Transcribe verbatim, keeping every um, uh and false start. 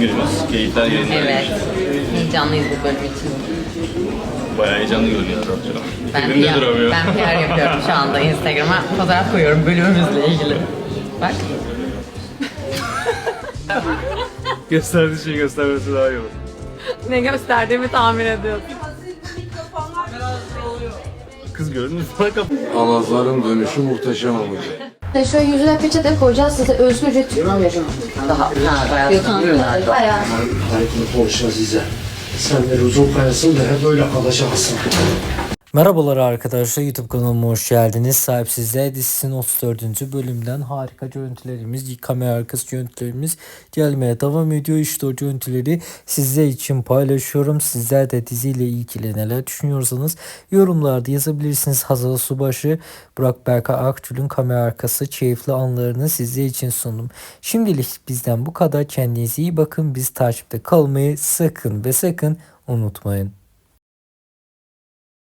günümüz. Keyifler yerinde. Evet. Heyecanlıyız bu bölüm için. Bayağı heyecanlı görünüyor. Ben Elimde P R, duramıyor. ben P R yapıyorum şu anda Instagram'a. Fotoğraf koyuyorum bölümümüzle ilgili. Bak. Gösterdiği şeyi göstermesi daha iyi olur. Ne gösterdiğimi tahmin ediyorum. Kız gördün mü? Bak Alazların dönüşü muhteşem olacak. Şöyle yüzüne peçete koyacağız, size özgürce tükürme vereceğim. Daha ha, bayağı Bayağı. Harikini konuş Azize. Sen de uzun kayasın da hep böyle kalacaksın. Merhabalar arkadaşlar, YouTube kanalıma hoş geldiniz. Sahipsizler dizisinin otuz dördüncü bölümden harika görüntülerimiz, kamera arkası görüntülerimiz gelmeye devam ediyor. İşte o görüntüleri sizler için paylaşıyorum. Sizler de diziyle ilgili neler düşünüyorsanız yorumlarda yazabilirsiniz. Hazal Subaşı, Burak Berkay Akgül'ün kamera arkası keyifli anlarını sizler için sundum. Şimdilik bizden bu kadar. Kendinize iyi bakın. Biz takipte kalmayı sakın ve sakın unutmayın.